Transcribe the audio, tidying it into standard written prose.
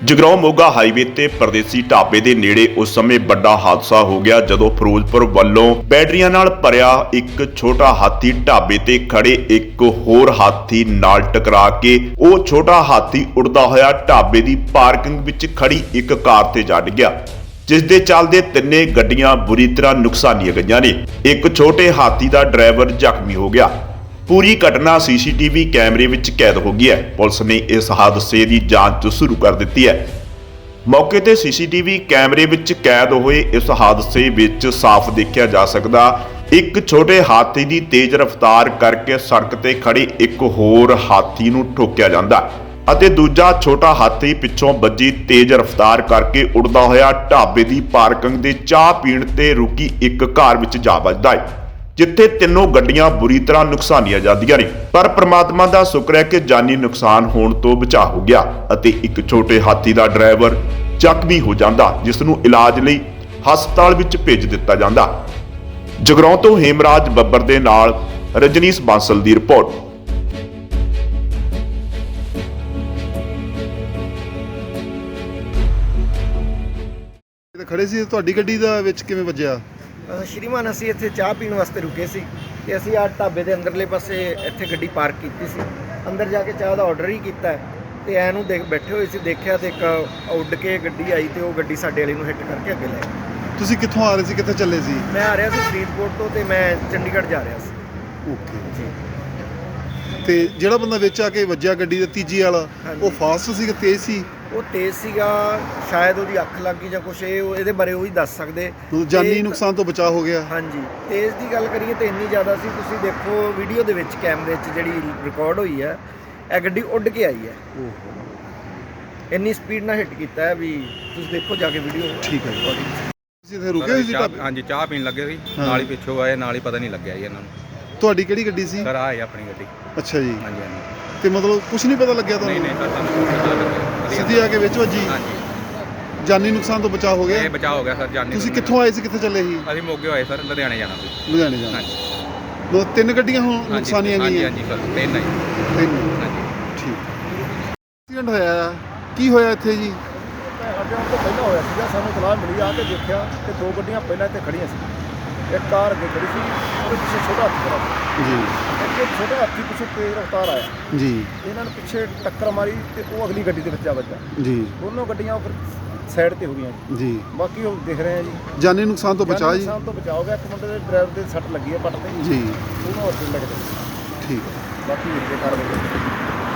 Jagraon Moga highway ਤੇ ਪਰਦੇਸੀ ਢਾਬੇ ਦੇ ਨੇੜੇ ਉਸ ਸਮੇਂ ਵੱਡਾ ਹਾਦਸਾ ਹੋ ਗਿਆ ਜਦੋਂ ਫਿਰੋਜ਼ਪੁਰ ਵੱਲੋਂ ਬੈਟਰੀਆਂ ਨਾਲ ਭਰਿਆ ਇੱਕ ਛੋਟਾ ਹਾਥੀ ਢਾਬੇ ਤੇ ਖੜੇ ਇੱਕ ਹੋਰ ਹਾਥੀ ਨਾਲ ਟਕਰਾ ਕੇ ਉਹ ਛੋਟਾ ਹਾਥੀ ਉੜਦਾ ਹੋਇਆ ਢਾਬੇ ਦੀ ਪਾਰਕਿੰਗ ਵਿੱਚ ਖੜੀ ਇੱਕ ਕਾਰ ਤੇ ਜਾ ਡਿੱਗਿਆ, ਜਿਸ ਦੇ ਚੱਲਦੇ ਤਿੰਨੇ ਗੱਡੀਆਂ ਬੁਰੀ ਤਰ੍ਹਾਂ ਨੁਕਸਾਨੀਆਂ ਗਈਆਂ ਨੇ। ਇੱਕ ਛੋਟੇ ਹਾਥੀ ਦਾ ਡਰਾਈਵਰ ਜ਼ਖਮੀ ਹੋ ਗਿਆ। पूरी घटना सीसीटीवी कैमरे विच कैद हो गई है। पुलिस ने इस हादसे की जांच शुरू कर दी है। मौके ते सीसीटीवी कैमरे विच कैद हुए इस हादसे विच साफ देखा जा सकदा एक छोटे हाथी की तेज रफ्तार करके सड़क ते खड़े एक होर हाथी नूं ठोकिया जांदा अते दूजा छोटा हाथी पिछों बजी तेज रफ्तार करके उड़दा होया ढाबे की पार्किंग दे चाह पीण ते रुकी एक कार विच जा वजदा है, जिथे तीनों गड्डियां बुरी तरह नुकसानियां जांदियां ने। पर परमात्मा दा शुक्र है कि जानी नुकसान होने तो बचा हो गया अते एक छोटे हाथी दा ड्राइवर जख्मी हो जांदा, जिस नूं इलाज लई हस्पताल विच भेज दिता जांदा। जगराउं तो हेमराज बब्बर दे नाल रजनीश बांसल दी रिपोर्ट। खड़े सी तुहाडी गड्डी दा विच किवें वज्जिया? श्रीमान असी इत्थे चाह पीण वास्ते रुके सी ते असी आ ढाबे दे अंदरले पासे इत्थे गड्डी पार्क कीती सी। अंदर जाके चाह दा ऑर्डर ही कीता ते ऐनूं देख बैठे होए सी, देखिआ ते एक उड़ के गड्डी आई ते वो गड्डी साडे वाले नूं हिट करके अगे ले गई। तुसीं कित्थों आ रहे सी, कित्थे चले सी? मैं आ रहा सी फरीदकोट तो ते मैं चंडीगढ़ जा रहा सी। ओके जी। ते जिहड़ा बंदा विच आके वज्जिया गड्डी दे तीजी वाला वो फास्ट सी कि तेज सी? वो तेज सीगा, शायद ਉਹਦੀ ਅੱਖ ਲੱਗ ਗਈ ਜਾਂ ਕੁਛ ਇਹਦੇ ਬਾਰੇ ਉਹ ਹੀ ਦੱਸ ਸਕਦੇ। ਜਾਨੀ ਨੁਕਸਾਨ ਤੋਂ ਬਚਾਅ ਹੋ ਗਿਆ। ਹਾਂਜੀ, ਤੇਜ਼ ਦੀ ਗੱਲ ਕਰੀਏ ਤਾਂ ਇੰਨੀ ਜ਼ਿਆਦਾ ਸੀ, ਤੁਸੀਂ ਦੇਖੋ ਵੀਡੀਓ ਦੇ ਵਿੱਚ ਕੈਮਰੇ 'ਚ ਜਿਹੜੀ ਰਿਕਾਰਡ ਹੋਈ ਹੈ ਇਹ ਗੱਡੀ ਉੱਡ ਕੇ ਆਈ ਹੈ। ਇੰਨੀ ਸਪੀਡ ਨਾਲ ਹਿੱਟ ਕੀਤਾ ਹੈ ਵੀ ਤੁਸੀਂ ਦੇਖੋ ਜਾ ਕੇ ਵੀਡੀਓ। ਠੀਕ ਹੈ ਜੀ। ਤੁਸੀਂ ਇੱਥੇ ਰੁਕੇ ਹੋਏ ਸੀ? ਹਾਂਜੀ, ਚਾਹ ਪੀਣ ਲੱਗੇ ਸੀ, ਨਾਲ ਹੀ ਪਿੱਛੋਂ ਆਏ, ਨਾਲ ਹੀ ਪਤਾ ਨਹੀਂ ਲੱਗਿਆ ਜੀ ਇਹਨਾਂ ਨੂੰ। ਤੁਹਾਡੀ ਕਿਹੜੀ ਗੱਡੀ ਸੀ? ਸਰ ਆਏ ਆਪਣੀ ਗੱਡੀ। ਅੱਛਾ ਜੀ। ਹਾਂਜੀ ਹਾਂਜੀ। ਤੇ ਮਤਲਬ ਕੁਝ ਨਹੀਂ ਪਤਾ ਲੱਗਿਆ ਤੁਹਾਨੂੰ? ਨਹੀਂ ਸਰ, ਸਾਨੂੰ ਕੁਛ ਪਤਾ ਲੱਗਿਆ। ਸਿੱਧੀ ਆ ਕੇ ਵਿੱਚ ਵੱਜੀ? ਹਾਂਜੀ। ਜਾਨੀ ਨੁਕਸਾਨ ਤੋਂ ਬਚਾਅ ਹੋ ਗਿਆ? ਇਹ ਬਚਾਅ ਹੋ ਗਿਆ ਸਰ ਜਾਨੀ। ਤੁਸੀਂ ਕਿੱਥੋਂ ਆਏ ਸੀ, ਕਿੱਥੇ ਚੱਲੇ ਸੀ? ਅਸੀਂ ਮੋਗੇ ਹੋਏ ਸਰ, ਲੁਧਿਆਣੇ ਜਾਣਾ ਸੀ। ਲੁਧਿਆਣੇ ਜਾਣਾ। ਹਾਂਜੀ। ਦੋ ਤਿੰਨ ਗੱਡੀਆਂ ਹੁਣ ਨੁਕਸਾਨੀਆਂ ਗਈਆਂ? ਹਾਂਜੀ ਸਰ, ਤਿੰਨ ਹੈ। ਤਿੰਨ? ਹਾਂਜੀ। ਠੀਕ। ਐਕਸੀਡੈਂਟ ਹੋਇਆ, ਕੀ ਹੋਇਆ ਇੱਥੇ ਜੀ? ਸਾਡੇ ਤੋਂ ਪਹਿਲਾਂ ਹੋਇਆ ਸੀਗਾ, ਸਾਨੂੰ ਸਲਾਹ ਮਿਲੀ, ਆ ਕੇ ਦੇਖਿਆ ਕਿ ਦੋ ਗੱਡੀਆਂ ਪਹਿਲਾਂ ਇੱਥੇ ਖੜੀਆਂ ਸੀ। ਇੱਕ ਕਾਰ ਅੱਗੇ ਖੜੀ ਸੀ, ਉਹਦੇ ਪਿੱਛੇ ਛੋਟਾ ਹਾਥੀ ਖੜਾ ਸੀ ਜੀ। ਇੱਕ ਛੋਟਾ ਹਾਥੀ ਪਿੱਛੇ ਤੇਜ਼ ਰਫ਼ਤਾਰ ਆਇਆ ਜੀ। ਇਹਨਾਂ ਨੂੰ ਪਿੱਛੇ ਟੱਕਰ ਮਾਰੀ ਤੇ ਉਹ ਅਗਲੀ ਗੱਡੀ ਦੇ ਵਿੱਚ ਆ ਵੱਜਾ। ਜੀ। ਦੋਨੋਂ ਗੱਡੀਆਂ ਫਿਰ ਸਾਈਡ ਤੇ ਹੋ ਗਈਆਂ ਜੀ। ਬਾਕੀ ਉਹ ਦੇਖ ਰਹੇ ਆ ਜੀ। ਜਾਨੀ ਨੁਕਸਾਨ ਤੋਂ ਬਚਾਅ ਜੀ? ਨੁਕਸਾਨ ਤੋਂ ਬਚਾਅ ਹੋ ਗਿਆ। ਇੱਕ ਮੁੰਡੇ ਦੇ ਡਰਾਈਵਰ ਦੇ ਸੱਟ ਲੱਗੀ ਹੈ ਪੱਟ ਤੇ ਜੀ। ਉਹਨੂੰ ਹਸਪਤਾਲ ਲੈ ਕੇ ਗਏ। ਠੀਕ ਹੈ। ਬਾਕੀ ਇਹ ਕਾਰਵਾਈ